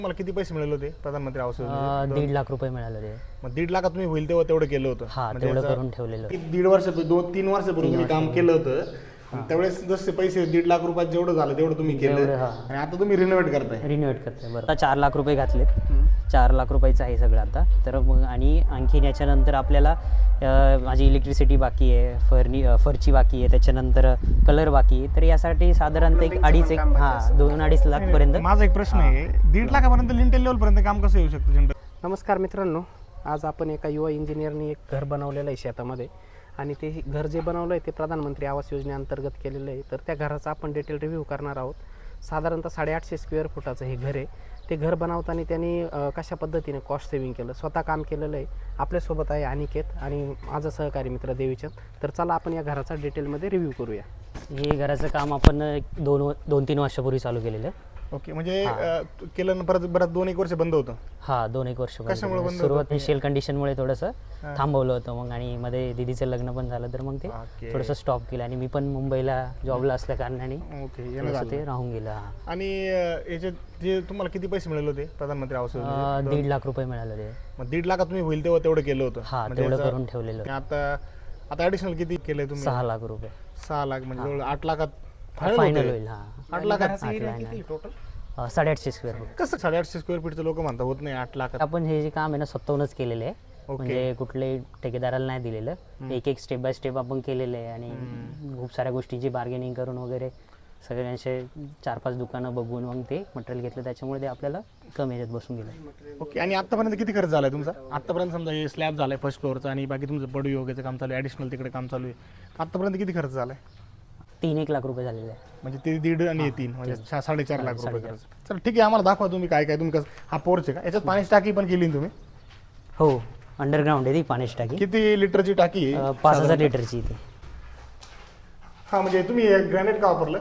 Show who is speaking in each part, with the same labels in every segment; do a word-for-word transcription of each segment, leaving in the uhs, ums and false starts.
Speaker 1: मला किती पैसे मिळाले होते प्रधानमंत्री आवास योजनेचे?
Speaker 2: दीड लाख रुपये मिळाले होते.
Speaker 1: मग दीड लाखात तुम्ही होईल तेव्हा तेवढं केलं होतं?
Speaker 2: हा, तेवढं करून ठेवलेलं.
Speaker 1: दीड वर्ष दोन तीन वर्षापूर्वी तुम्ही काम केलं होतं, त्यावेळेस जसे पैसे दीड लाख रुपयात जेवढं झालं तेवढं तुम्ही केलं आणि आता तुम्ही रिनोव्हेट करताय.
Speaker 2: रिनोव्हेट करताय बरं. आता चार लाख रुपये घातलेत. चार लाख रुपयाचं आहे सगळं आता. तर मग आणि आणखीन याच्यानंतर आपल्याला माझी इलेक्ट्रिसिटी बाकी आहे, फर्नी फरची बाकी आहे, त्याच्यानंतर कलर बाकी आहे. तर यासाठी साधारणतः एक अडीच एक हां दोन अडीच लाखपर्यंत.
Speaker 1: माझा एक प्रश्न आहे, दीड लाखापर्यंत लिंटेल लेवलपर्यंत काम कसं येऊ शकतं जनरल?
Speaker 3: नमस्कार मित्रांनो, आज आपण एका युवा इंजिनियरनी एक घर बनवलेलं आहे शेतामध्ये आणि ते घर जे बनवलं आहे ते प्रधानमंत्री आवास योजनेअंतर्गत केलेलं आहे. तर त्या घराचा आपण डिटेल रिव्ह्यू करणार आहोत. साधारणतः साडेआठशे स्क्वेअर फुटाचं हे घर आहे. ते घर बनवताना त्यांनी कशा पद्धतीने कॉस्ट सेविंग केलं, स्वतः काम केलेलं आहे. आपल्यासोबत आहे अनिकेत आणि माझा सहकारी मित्र देवीचंद. तर चला आपण या घराचा डिटेलमध्ये रिव्ह्यू करूया.
Speaker 2: हे घराचं काम आपण दोन दोन तीन वर्षापूर्वी चालू केलेलं आहे.
Speaker 1: ओके, म्हणजे केलं ना परत बरं दोन एक वर्ष बंद होतं?
Speaker 2: हा, दोन एक वर्ष
Speaker 1: कशामुळे बंद?
Speaker 2: सुरुवात शेल कंडिशनमुळे थोडंसं थांबवलं होतं. मग आणि मध्ये दीदीचं लग्न पण झालं तर मग ते थोडंसं स्टॉप केलं आणि मी पण मुंबईला जॉबला असल्या कारणाने ते राहून गेलं.
Speaker 1: आणि याचे जे तुम्हाला किती पैसे मिळाले होते प्रधानमंत्री आवास योजनेचे?
Speaker 2: दीड लाख रुपये मिळाले होते.
Speaker 1: मग दीड लाखात तुम्ही होईल तेव्हा तेवढं केलं होतं?
Speaker 2: हा, तेवढं करून ठेवलेलं.
Speaker 1: आता आता ॲडिशनल किती केलंय तुम्ही?
Speaker 2: सहा लाख रुपये.
Speaker 1: सहा लाख म्हणजे जवळ आठ लाखात
Speaker 2: फायनल होईल. हा,
Speaker 1: आठ लाखात
Speaker 3: टोटल
Speaker 2: साडेआठशे स्क्वेअर फूट.
Speaker 1: कसं साडेआठशे स्क्वेअर फीटचं लोक म्हणतात होत नाही आठ लाखात?
Speaker 2: आपण हे जे काम आहे ना स्वतःहूनच केलेलं आहे. म्हणजे कुठल्याही ठेकेदाराला नाही दिलेलं. एक एक स्टेप बाय स्टेप आपण केलेलं आहे आणि खूप साऱ्या गोष्टींची बार्गेनिंग करून वगैरे सगळ्यांचे चार पाच दुकानं बघून मग ते मटेरियल घेतलं. त्याच्यामुळे ते आपल्याला कमी ह्याच्यात बसून गेलं.
Speaker 1: ओके, आणि आतापर्यंत किती खर्च झालाय तुमचा? आतापर्यंत समजा हे स्लॅब झालाय फर्स्ट फ्लोअरचा आणि बाकी तुमचं बडू योगाचं काम चालू आहे, ॲडिशनल तिकडे काम चालू आहे. आतापर्यंत किती खर्च झालाय?
Speaker 2: तीन एक लाख रुपये झालेले आहे. म्हणजे
Speaker 1: ते दीड आणि तीन म्हणजे साडेचार लाख रुपये खर्च. चल ठीक आहे, आम्हाला दाखवा तुम्ही काय काय. तुम्ही कसं हा पोर्च आहे का? याच्यात पाण्याची टाकी पण केली तुम्ही?
Speaker 2: हो, अंडरग्राऊंड आहे ती पाण्याची टाकी.
Speaker 1: किती लिटरची टाकी आहे?
Speaker 2: पाच हजार लिटरची ती.
Speaker 1: हा, म्हणजे तुम्ही ग्रॅनाइट का वापरलं?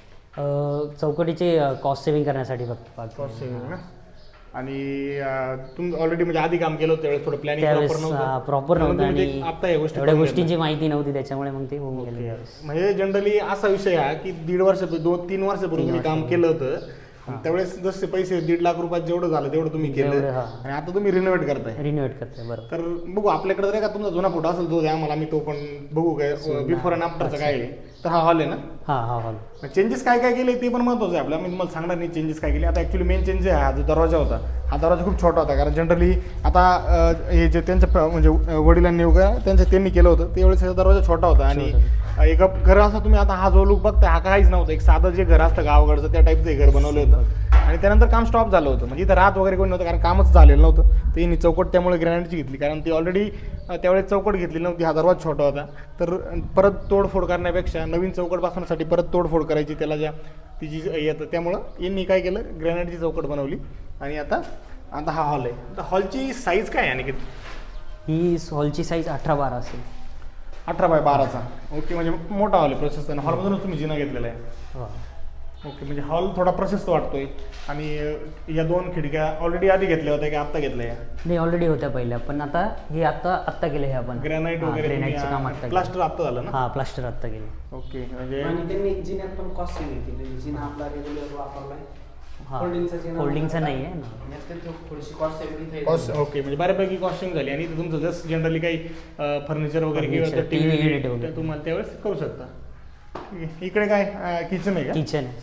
Speaker 2: चौकटीचे कॉस्ट सेव्हिंग करण्यासाठी फक्त.
Speaker 1: कॉस्ट सेव्हिंग ना. आणि तुम्ही ऑलरेडी म्हणजे आधी काम केलं होतं त्यावेळेस थोडं प्लॅनिंग प्रॉपर नव्हतं
Speaker 2: प्रॉपर नव्हतं आणि
Speaker 1: आता या गोष्टी
Speaker 2: एवढ्या गोष्टींची माहिती नव्हती, त्याच्यामुळे मग ते होऊन गेलं.
Speaker 1: म्हणजे जनरली असा विषय आहे की दीड वर्ष दोन तीन वर्षापूर्वी तुम्ही काम केलं होतं, त्यावेळेस जसे पैसे दीड लाख रुपयात जेवढं झालं तेवढं तुम्ही केलं आणि आता तुम्ही रिनोव्हेट करताय.
Speaker 2: रिनोव्हेट करताय बरोबर.
Speaker 1: तर बघू आपल्याकडे जर का तुमचा जुना फोटो असेल तो द्या मला, मी तो पण बघू काय बिफोर अँड आफ्टरचं काय आहे. तर हा हॉल आहे ना?
Speaker 2: हा हा हॉल.
Speaker 1: चेंजेस काय काय केले ते पण महत्त्वाचं आहे आपल्याला. मी तुम्हाला सांगणार नाही चेंजेस काय केले. आता ॲक्च्युली मेन चेंज आहे हा जो दरवाजा होता, हा दरवाजा खूप छोटा होता. कारण जनरली आता हे जे त्यांच्या म्हणजे वडिलांनी वगैरे त्यांच्या त्यांनी केलं होतं त्यावेळेस दरवाजा छोटा होता आणि एक घर असं तुम्ही आता हा जो लुक बघता हा काहीच नव्हतं. एक साधं जे घर असतं गावाकडचं त्या टाईपचं हे घर बनवलं होतं आणि त्यानंतर काम स्टॉप झालं होतं. म्हणजे इथं राहत वगैरे कोणी नव्हतं कारण कामच झालेलं नव्हतं. तर यांनी चौकट त्यामुळे ग्रॅनाइटची घेतली कारण ती ऑलरेडी त्यावेळेस चौकट घेतली नव्हती. हा दरवाजा छोटा होता. तर परत तोडफोड करण्यापेक्षा नवीन चौकट बसवण्यासाठी परत तोडफोड करायची त्याला ज्या तिची येतं, त्यामुळं यांनी काय केलं ग्रॅनाइटची चौकट बनवली आणि आता आता हा हॉल आहे. तर हॉलची साईज काय आहे? आणि
Speaker 2: ही हॉलची साईज अठरा बारा असेल.
Speaker 1: अठरा बाय बाराचा. ओके, म्हणजे मोठा हॉल आहे प्रशस्त. हॉलमधूनच तुम्ही जिना घेतलेला आहे. ओके, म्हणजे हॉल थोडा प्रशस्त वाटतोय. आणि या दोन खिडक्या ऑलरेडी आधी घेतल्या होत्या की आत्ता घेतल्या?
Speaker 2: नाही, ऑलरेडी होत्या पहिल्या, पण आता हे आत्ता आत्ता केले हे आपण.
Speaker 1: ग्रॅनाइट वगैरे
Speaker 2: ग्रॅनाइटचं काम आत्ता.
Speaker 1: प्लास्टर आत्ता झालं ना?
Speaker 2: हा, प्लास्टर आत्ता केले.
Speaker 1: ओके, म्हणजे
Speaker 3: आणि त्यांनी जिन्यात पण कॉस्ट सेव्हिंग केली. जिना आपला रेग्युलर वापरलाय.
Speaker 2: होल्डिंगचा नाही आहे ना,
Speaker 3: थोडीशी कॉस्ट सेव्हिंग.
Speaker 1: कॉस्ट ओके, म्हणजे बऱ्यापैकी कॉस्टिंग झाली. आणि तुमचं जस्ट जनरली काही फर्निचर वगैरे किंवा टीव्ही युनिट तुम्हाला त्यावेळेस करू शकता. इकडे काय किचन आहे का?
Speaker 2: किचन आहे.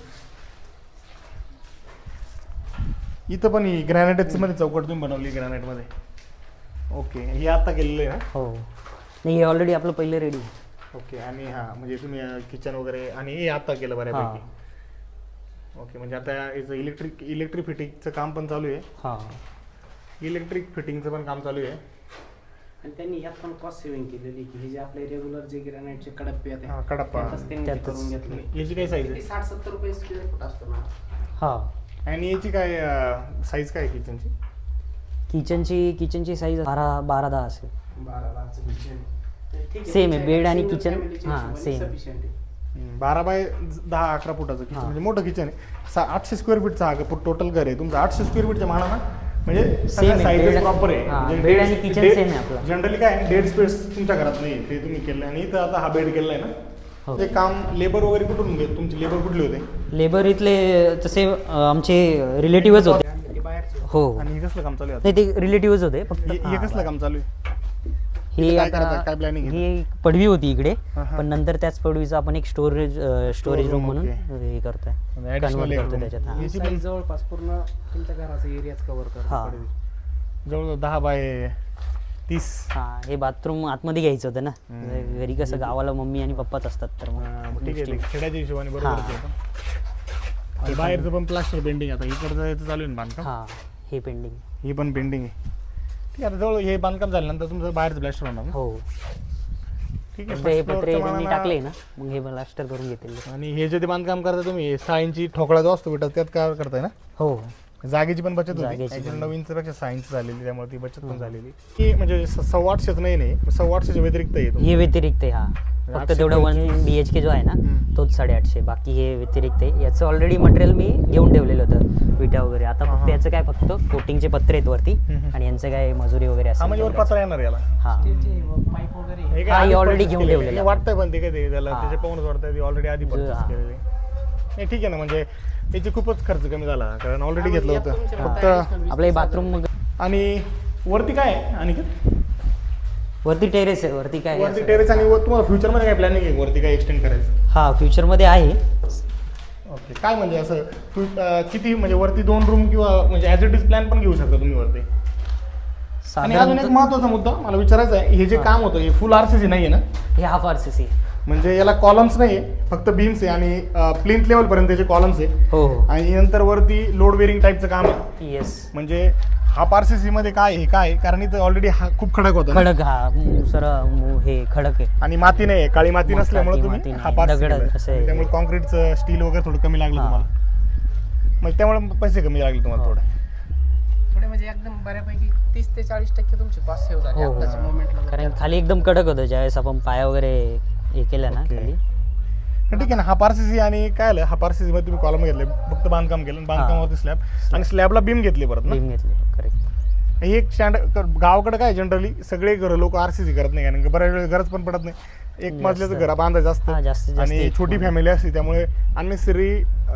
Speaker 1: इथं पण ही ग्रॅनाइटच मध्ये चौकट तुम्ही बनवली ग्रॅनाइटमध्ये? ओके, हे आता केलेलं आहे ना?
Speaker 2: हो, नाही, हे ऑलरेडी आपलं पहिलं रेडी.
Speaker 1: ओके, आणि हा म्हणजे तुम्ही किचन वगैरे आणि हे आता केलं बऱ्यापैकी. ओके, म्हणजे आता याचं इलेक्ट्रिक इलेक्ट्रिक फिटिंगचं काम पण चालू आहे.
Speaker 2: हां,
Speaker 1: इलेक्ट्रिक फिटिंगचं पण काम चालू आहे.
Speaker 3: आणि त्यांनी यात पण कॉस्ट सेव्हिंग केलेली की हे जे आपले रेग्युलर जे ग्रॅनाइटचे कडप्पे आहेत
Speaker 1: हां, कडप्पा
Speaker 3: त्यांनी करून घेतले.
Speaker 1: याची काय साईज आहे?
Speaker 3: साठ सत्तर रुपये स्क्वेअर फूट असतो ना.
Speaker 2: हां,
Speaker 1: आणि याची काय साईज काय आहे किचनची?
Speaker 2: किचनची किचनची साईज बारा बारा दहा असेल.
Speaker 3: बारा बारचं किचन
Speaker 2: सेम आहे, बेड आणि किचन. हां, सेम.
Speaker 1: बारा बाय दहा अकरा फुटाचं किचन म्हणजे मोठं किचन आहे. सा आठशे स्क्वेअर फीटचा हा टोटल घर आहे तुमचं. आठशे स्क्वेअर फीटच्या मानानं म्हणजे साईज प्रॉपर आहे.
Speaker 2: बेड आणि किचन सेम आहे आपलं.
Speaker 1: जनरली काय डेड स्पेस तुमच्या घरात नाही ते तुम्ही केलं आणि इथं आता हा बेड केलाय ना. ते काम लेबर वगैरे कुठून घेत? तुमचे लेबर कुठले होते?
Speaker 2: लेबर इथले तसे आमचे रिलेटिव्हच होते. हो
Speaker 1: आणि हे कसलं काम चालू आहे
Speaker 2: नाही ते रिलेटिव्हच होते फक्त
Speaker 1: आता? हे हे
Speaker 2: हा,
Speaker 1: कसलं काम चालू आहे
Speaker 2: हे
Speaker 1: काय करायचं?
Speaker 2: आता
Speaker 1: काय planning आहे?
Speaker 2: ही एक पडवी होती इकडे
Speaker 1: हा, हा.
Speaker 2: पण नंतर त्याच पडवीचं आपण एक स्टोरेज स्टोरेज रूम
Speaker 1: room,
Speaker 2: म्हणून
Speaker 1: okay.
Speaker 2: हे करतोय
Speaker 1: म्हणजे additional
Speaker 2: कन्वर्ट
Speaker 1: एक
Speaker 2: करतोय
Speaker 1: room.
Speaker 2: त्याच्यात हा.
Speaker 3: ही size जवळपास पूर्ण तुमच्या घराचा एरियाच कव्हर
Speaker 2: हा.
Speaker 3: करतो.
Speaker 1: जवळजवळ दहा बाय तीस
Speaker 2: हा हे बाथरूम आतमध्ये घ्यायचं होतं ना म्हणजे घरी कसं गावाला मम्मी आणि पप्पाच असतात तर
Speaker 1: हा, मग
Speaker 2: मग
Speaker 1: ठीक आहे ते खेड्याच्या हिशोबाने बरोबर
Speaker 2: हा.
Speaker 1: आहे ते पण. आणि बाहेरचं पण प्लास्टर पेंटिंग आता इकडचं याचं चालू आहे ना बांधकाम
Speaker 2: हा हे पेंडिंग
Speaker 1: ही पण पेंटिंग आहे ठीक आहे आता जवळ हे बांधकाम झाल्यानंतर तुमचं बाहेरचं प्लास्टर होणार ना
Speaker 2: हो
Speaker 1: ठीक आहे
Speaker 2: एकदा हे
Speaker 1: first floor
Speaker 2: पत्रे
Speaker 1: च्या
Speaker 2: त्यांनी
Speaker 1: मानानं-
Speaker 2: टाकले ना मग हे प्लास्टर करून घेतील
Speaker 1: आणि हे जे ते बांधकाम करता तुम्ही सहा इंची ठोकळा जो असतो बेटा त्यात काय करताय ना
Speaker 2: हो
Speaker 1: जागेची पण बचत होती
Speaker 2: जागेची
Speaker 1: ॲक्च्युली
Speaker 2: पण.
Speaker 1: नऊ इंचपेक्षा सहा इंच झालेली त्यामुळे ती बचत पण झालेली की म्हणजे स- सव्वा आठशेच नाही नाही सव्वा आठशेच्या व्यतिरिक्त येतो
Speaker 2: हे व्यतिरिक्त आहे हा फक्त
Speaker 1: आठशे
Speaker 2: तेवढं वन
Speaker 1: पंचवीस.
Speaker 2: बी एच के जो आहे ना
Speaker 1: हम्म.
Speaker 2: तोच साडेआठशे बाकी हे व्यतिरिक्त आहे याचं ऑलरेडी मटेरियल मी घेऊन ठेवलेलं होतं विटा वगैरे आता
Speaker 1: हा,
Speaker 2: फक्त
Speaker 1: हा.
Speaker 2: याचं काय फक्त कोटिंगचे पत्रे आहेत वरती
Speaker 1: हम्म.
Speaker 2: आणि यांचं काय मजुरी वगैरे
Speaker 1: हा
Speaker 2: असेल
Speaker 1: म्हणजे वर
Speaker 2: तेवढंच.
Speaker 1: पत्रा येणार याला
Speaker 2: हा
Speaker 3: पाईप वगैरे
Speaker 1: हे
Speaker 2: हा,
Speaker 1: काय
Speaker 2: हे
Speaker 1: आधीच
Speaker 2: already
Speaker 1: purchase
Speaker 2: घेऊन
Speaker 1: केलेलं
Speaker 2: ठेवलेलं
Speaker 1: आहे.
Speaker 2: आहे.
Speaker 1: वाटतंय पण ते काय ते त्याला
Speaker 2: हा.
Speaker 1: त्याचे पाहूनच वाटतंय ऑलरेडी आधी
Speaker 2: जो-
Speaker 1: परचेस
Speaker 2: हा.
Speaker 1: केलेले नाही ठीक आहे ना म्हणजे याची खूपच खर्च कमी झाला कारण ऑलरेडी
Speaker 3: हा,
Speaker 1: घेतलं
Speaker 3: यात
Speaker 1: होतं
Speaker 3: तुमचे
Speaker 1: फक्त
Speaker 3: additional वीस
Speaker 2: आपलं हे
Speaker 3: तीस हजार
Speaker 2: बाथरूम मग
Speaker 1: आणि वरती काय आहे आणि
Speaker 2: वरती टेरेस आहे वरती काय आहे
Speaker 1: वरती
Speaker 2: असं?
Speaker 1: टेरेस आणि वर तुम्हाला फ्युचरमध्ये काय प्लॅनिंग आहे वरती काय एक्सटेंड करायचं
Speaker 2: हा फ्युचरमध्ये आहे
Speaker 1: ओके काय म्हणजे असं फु- अं, किती म्हणजे वरती दोन रूम किंवा म्हणजे ॲज इट इज प्लॅन पण घेऊ शकता तुम्ही वरती आणि अजून एक
Speaker 2: साधारण
Speaker 1: महत्त्वाचा मुद्दा मला विचारायचा आहे हे जे काम होतं हे फुल आर सी सी नाही आहे ना
Speaker 2: हे हाफ आर सी सी
Speaker 1: म्हणजे याला कॉलम्स नाही आहे फक्त बीम्स आहे आणि प्लिंथ लेवलपर्यंत त्याचे कॉलम्स आहे
Speaker 2: हो हो
Speaker 1: आणि नंतर वरती लोड बेरिंग टाईपचं काम आहे
Speaker 2: येस
Speaker 1: म्हणजे हा आर सी सी मध्ये काय आहे काय आहे? कारण इथं ऑलरेडी हा खूप खडक होता ना.
Speaker 2: खडक हा मु- सर मु- हे खडक आहे
Speaker 1: आणि माती नाही आहे काळी माती
Speaker 2: माती-
Speaker 1: नसल्यामुळे
Speaker 2: माती
Speaker 1: तुम्ही
Speaker 2: नाही.
Speaker 1: हा पार
Speaker 2: दगड असं आहे.
Speaker 1: त्यामुळे कॉन्क्रीटचं स्टील वगैरे थोडं कमी लागलं
Speaker 2: हा.
Speaker 1: तुम्हाला मग त्यामुळे पैसे कमी लागले तुम्हाला
Speaker 2: हो.
Speaker 1: थोडे
Speaker 3: पुढे म्हणजे एकदम बऱ्यापैकी तीस ते चाळीस टक्के तुमचे कॉस्ट सेव्ह झाले
Speaker 2: हो, हो.
Speaker 3: आताच्या मोमेंटला
Speaker 2: कारण खाली एकदम कडक होतं ज्यावेळेस आपण पाया वगैरे हे केलं ना
Speaker 1: ओके.
Speaker 2: खाली
Speaker 1: तर ठीक आहे ना हा आर सी सी आणि काय आलं हा आर सी सी मध्ये तुम्ही कॉलम घेतले फक्त बांधकाम केलं आणि बांधकामावरती स्लॅब आणि स्लॅबला बीम घेतली परत ना
Speaker 2: बीम घेतले करेक्ट
Speaker 1: ही एक स्टँडर्ड गावाकडे काय जनरली सगळे घर लोक आर सी सी करत नाही कारण की बऱ्याच वेळेस गरज पण पडत नाही एक
Speaker 2: जास्त.
Speaker 1: मजल्याचं घर बांधायचं
Speaker 2: हा, जास्तीत
Speaker 1: असतं
Speaker 2: जास्त
Speaker 1: आणि
Speaker 2: एक
Speaker 1: छोटी
Speaker 2: मजला.
Speaker 1: फॅमिली असते त्यामुळे unnecessary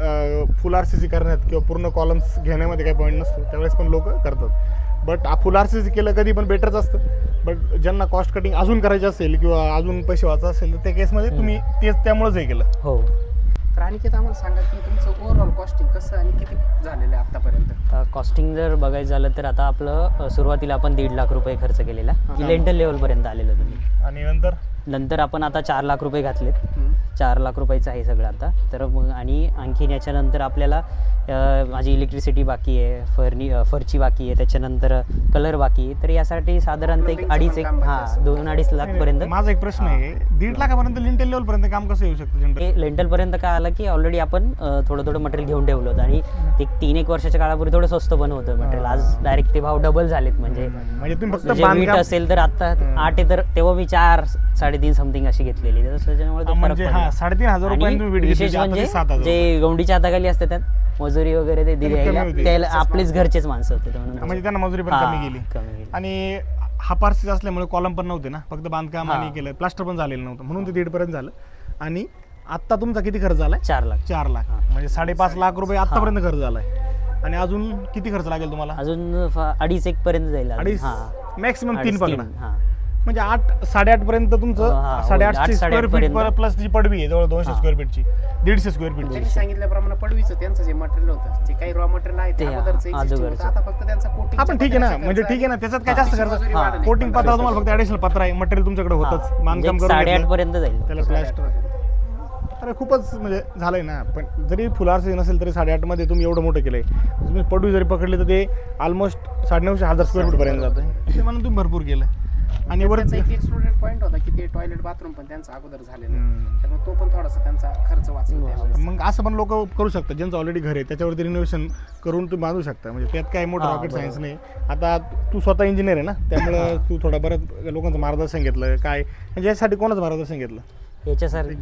Speaker 1: full R C C करण्यात किंवा पूर्ण कॉलम्स घेण्यामध्ये काही पॉईंट नसतो त्यावेळेस पण लोक करतात but full R C C केलं कधी पण बेटरच असतं बट ज्यांना कॉस्ट कटिंग अजून करायची असेल किंवा अजून पैसे वाचा असेल तर त्या केसमध्ये तुम्ही तेच त्यामुळेच हे केलं
Speaker 2: हो
Speaker 3: तर अनिकेत आम्हाला सांगा की तुमचं ओव्हरऑल कॉस्टिंग कसं आणि किती झालेलं आहे आतापर्यंत
Speaker 2: कॉस्टिंग जर बघायचं झालं तर आता आपलं अ, सुरुवातीला आपण दीड लाख रुपये खर्च केलेला
Speaker 1: हा.
Speaker 2: लेंटल लेवलपर्यंत आलेलं तुम्ही
Speaker 1: आणि नंतर
Speaker 2: नंतर आपण आता चार लाख रुपये घातलेत
Speaker 3: हम्म.
Speaker 2: चार लाख रुपयाचं आहे सगळं आता तर मग आणि आणखीन याच्यानंतर आपल्याला अ, माझी इलेक्ट्रिसिटी बाकी आहे फर्नी अ, फरची बाकी आहे त्याच्यानंतर कलर बाकी आहे तर यासाठी साधारणतः एक
Speaker 3: Plumbingचं
Speaker 2: अडीच
Speaker 3: पण
Speaker 2: एक
Speaker 3: काम बाकी
Speaker 2: हां
Speaker 3: असेल.
Speaker 2: दोन अडीच लाखपर्यंत
Speaker 1: माझा एक प्रश्न आहे दीड लाखापर्यंत लिंटेल लेवल पर्यंत काम कसं येऊ शकतं जनरल
Speaker 2: हे लेंटलपर्यंत काय आलं की ऑलरेडी आपण अ, थोडं थोडं मटेरियल घेऊन ठेवलं होतं आणि ते तीन एक वर्षाच्या काळापूर्वी थोडं स्वस्त पण होतं मटेरियल आज डायरेक्ट ते भाव डबल झालेत म्हणजे
Speaker 1: म्हणजे तुम्ही फक्त
Speaker 2: म्हणजे वीट
Speaker 1: बांधकाम
Speaker 2: असेल तर आता आठ आहे तर तेव्हा मी चार साडेतीन समथिंग अशी घेतलेली तर त्याच्यामुळे तो फरक
Speaker 1: म्हणजे हा
Speaker 2: पडला.
Speaker 1: साडेतीन हजार
Speaker 2: आणि
Speaker 1: रुपयांनी वीट
Speaker 2: विशेष
Speaker 1: घेतली आता
Speaker 2: म्हणजे
Speaker 1: ते सात हजार
Speaker 2: जे गौंडीच्या हाताखाली असते त्यात मजुरी वगैरे ते दिली
Speaker 1: कमी
Speaker 2: यायला,
Speaker 1: होती.
Speaker 2: त्याला आपलेच घरचेच माणसं होते ते म्हणून
Speaker 1: म्हणजे त्यांना मजुरी पण
Speaker 2: हा,
Speaker 1: कमी गेली
Speaker 2: कमी गेली.
Speaker 1: आणि हा पार्सिस असल्यामुळे कॉलम पण नव्हते ना फक्त बांधकाम
Speaker 2: हा.
Speaker 1: आणि केलं प्लास्टर पण झालेलं नव्हतं म्हणून ते दीड पर्यंत झालं आणि आत्ता तुमचा किती खर्च झालाय
Speaker 2: चार लाख
Speaker 1: चार लाख
Speaker 2: हा.
Speaker 1: म्हणजे साडेपाच लाख रुपये आतापर्यंत खर्च झालाय आणि अजून किती खर्च लागेल तुम्हाला
Speaker 2: अजून फ- अडीच एक पर्यंत जाईल अजून.
Speaker 1: अडीच
Speaker 2: हा.
Speaker 1: मॅक्सिमम तीन
Speaker 2: अडीच,
Speaker 1: पकडा
Speaker 2: हा.
Speaker 1: म्हणजे आठ साडेआठ पर्यंत
Speaker 2: हा,
Speaker 1: तुमचं
Speaker 2: हा,
Speaker 1: साडेआठशे
Speaker 2: आठ,
Speaker 1: स्क्वेअर
Speaker 2: साडेआठ
Speaker 1: फीट
Speaker 2: पर्यंत.
Speaker 1: प्लस जी पडवी आहे जवळ दोनशे
Speaker 2: हा.
Speaker 1: स्क्वेअर फीटची दीडशे स्क्वेअर फीटची
Speaker 3: त्यांनी सांगितल्याप्रमाणे पडवीचं त्यांचं जे मटेरियल होतं जे काही रॉ मटेरियल आहे ते
Speaker 2: ते
Speaker 3: अगोदरचं existing होतं.
Speaker 2: अगोदरचं.
Speaker 3: आता फक्त त्यांचा कोटिंग
Speaker 1: हा पण ठीक आहे ना म्हणजे ठीक आहे ना त्याच्यात काय जास्त खर्च
Speaker 2: हा.
Speaker 1: कोटिंग पत्रा तुम्हाला फक्त ऍडिशनल पत्र आहे मटेरियल तुमच्याकडे होतच
Speaker 2: हा.
Speaker 1: बांधकाम
Speaker 2: म्हणजे
Speaker 1: करून
Speaker 2: साडेआठ
Speaker 1: घेतलं.
Speaker 2: पर्यंत जाईल
Speaker 1: त्याला प्लॅस्टर अरे खूपच म्हणजे झालंय ना पण जरी फुलार सीझन असेल तरी साडेआठ मध्ये तुम्ही एवढं मोठं केलंय तुम्ही पडवी जरी पकडली तर ते ऑलमोस्ट साडेनऊशे हजार स्क्वेअर फूट पर्यंत जातं ते म्हणून तुम्ही भरपूर केलं आणि वर
Speaker 3: त्यांचा एक एक्सक्लुडेड पॉईंट होता की ते टॉयलेट बाथरूम पण त्यांचा अगोदर झालेला
Speaker 1: हम्म.
Speaker 3: त्यामुळे तो पण थोडासा त्यांचा खर्च वाचला त्यावेळेस.
Speaker 1: मग असं पण लोक करू शकतात ज्यांचं ऑलरेडी घर आहे त्याच्यावरती रिनोव्हेशन करून तुम्ही बांधू शकता म्हणजे त्यात काय मोठं
Speaker 2: हा,
Speaker 1: रॉकेट
Speaker 2: बरोबर.
Speaker 1: सायन्स नाही आता तू स्वतः इंजिनियर आहे ना त्यामुळे तू थोडं बरं लोकांचं मार्गदर्शन घेतलं काय म्हणजे यासाठी कोणाचं मार्गदर्शन घेतलं
Speaker 2: याच्यासारखं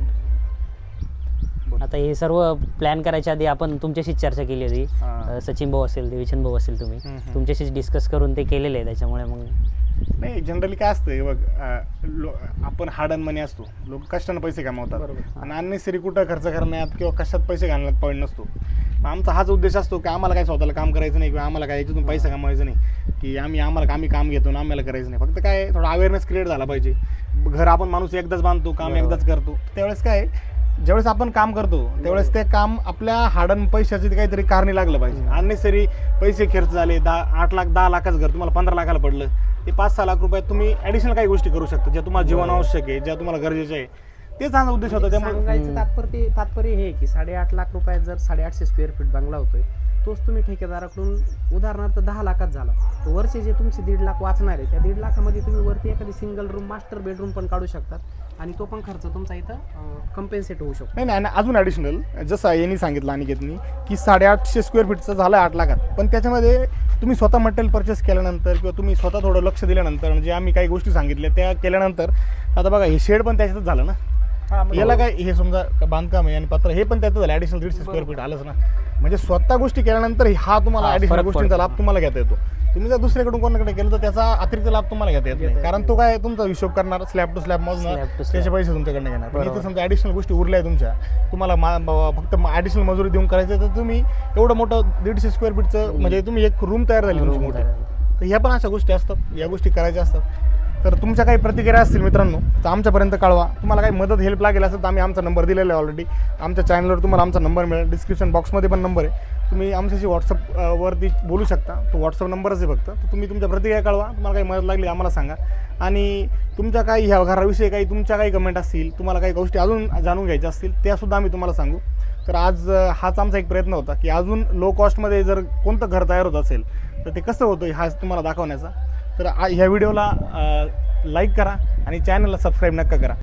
Speaker 2: आता हे सर्व प्लॅन करायच्या आधी आपण तुमच्याशीच चर्चा केली होती
Speaker 1: हा.
Speaker 2: अ, सचिन भाऊ असेल देवीचंद भाऊ असेल तुम्ही
Speaker 1: हम्म, हम्म.
Speaker 2: तुमच्याशीच डिस्कस करून ते केलेले आहे त्याच्यामुळे मग
Speaker 1: नाही जनरली काय असतं हे बघ अं, लो- आपण हार्ड अन मनी असतो लोक कष्टानं पैसे कमावतात
Speaker 3: बरोबर.
Speaker 1: आणि अननेसरी कुठं खर्च करण्यात किंवा कशात पैसे घालण्यात पॉईंट नसतो आमचा हाच उद्देश असतो की आम्हाला काय स्वतःला काम करायचं नाही किंवा आम्हाला काय याच्यातून पैसा कमवायचा नाही की आम्ही आम्हाला आम्ही काम घेतो आणि आम्हाला करायचं नाही. फक्त काय थोडा अवेअरनेस क्रिएट झाला पाहिजे. घर आपण माणूस एकदाच बांधतो, काम एकदाच करतो. त्यावेळेस काय ज्यावेळेस आपण काम करतो त्यावेळेस ते काम आपल्या हाडन पैशाचे काहीतरी कारणी लागलं पाहिजे. अननेसरी पैसे खर्च झाले, दहा आठ लाख दहा लाखाचं घर तुम्हाला पंधरा लाखाला पडलं, ते पाच सहा लाख रुपयात तुम्ही ॲडिशनल काही गोष्टी करू शकता ज्या तुम्हाला जीवन आवश्यक आहे, ज्या तुम्हाला गरजेच्या आहे. तेच हा उद्देश होता. त्यामुळे
Speaker 3: सांगायचं तात्पर्य तात्पर्य हे आहे की साडेआठ लाख रुपयात जर साडेआठशे स्क्वेअर फीट बंगला होतोय, तोच तुम्ही ठेकेदाराकडून उदाहरणार्थ दहा लाखात झाला, तर वरचे जे तुमचे दीड लाख वाचणार आहे त्या दीड लाखामध्ये तुम्ही वरती एखादी सिंगल रूम मास्टर बेडरूम पण काढू शकतात आणि तो पण खर्च तुमचा इथं कम्पेन्सेट होऊ शकतो.
Speaker 1: नाही नाही आणि अजून ॲडिशनल जसं यांनी सांगितलं अनिकेतनी की साडेआठशे स्क्वेअर फीटचं झालं आठ लाखात, पण त्याच्यामध्ये तुम्ही स्वतः मटेरियल परचेस केल्यानंतर किंवा तुम्ही स्वतः थोडं लक्ष दिल्यानंतर जे आम्ही काही गोष्टी सांगितल्या त्या केल्यानंतर आता बघा हे शेड पण त्याच्यातच झालं ना. याला काय हे समजा बांधकाम आहे आणि पत्र हे पण त्याचं झालं ॲडिशनल दीडशे स्क्वेअर फीट आलंच ना. म्हणजे स्वतः गोष्टी केल्यानंतर हा तुम्हाला ॲडिशनल गोष्टींचा लाभ तुम्हाला घेता येतो. तुम्ही जर दुसऱ्याकडून कोणाकडे केलं तर त्याचा अतिरिक्त लाभ तुम्हाला घेता येत नाही, कारण तो काय तुमचा हिशोब करणार स्लॅब टू स्लॅब मोजणार, त्याचे पैसे तुमच्याकडनं घेणार. पण इथे समजा ॲडिशनल गोष्टी उरल्या तुमच्या, तुम्हाला मा फक्त ॲडिशनल मजुरी देऊन करायचं तर तुम्ही एवढं मोठं दीडशे स्क्वेअर फीटचं म्हणजे तुम्ही एक रूम तयार झाली तुमची मोठी. तर ह्या पण अशा गोष्टी असतात, या गोष्टी करायच्या असतात. तर तुमच्या काही प्रतिक्रिया असतील मित्रांनो तर आमच्यापर्यंत कळवा. तुम्हाला काही मदत हेल्प लागेल असेल तर आम्ही आमचा नंबर दिलेला आहे ऑलरेडी. आमच्या चॅनलवर तुम्हाला आमचा नंबर मिळेल, डिस्क्रिप्शन बॉक्समध्ये पण नंबर आहे. तुम्ही आमच्याशी व्हॉट्सअप वरती बोलू शकता, तो व्हॉट्सअप नंबरच आहे फक्त. तर तुम्ही तुमच्या प्रतिक्रिया कळवा, तुम्हाला काही मदत लागली आम्हाला सांगा. आणि तुमच्या काही ह्या घराविषयी काही तुमच्या काही कमेंट असतील, तुम्हाला काही गोष्टी अजून जाणून घ्यायच्या असतील त्यासुद्धा आम्ही तुम्हाला सांगू. तर आज हाच आमचा एक प्रयत्न होता की अजून लो कॉस्टमध्ये जर कोणतं घर तयार होत असेल तर ते कसं होतं हा तुम्हाला दाखवण्याचा. तर ह्या व्हिडिओला लाईक करा आणि चॅनलला सबस्क्राईब नक्का करा.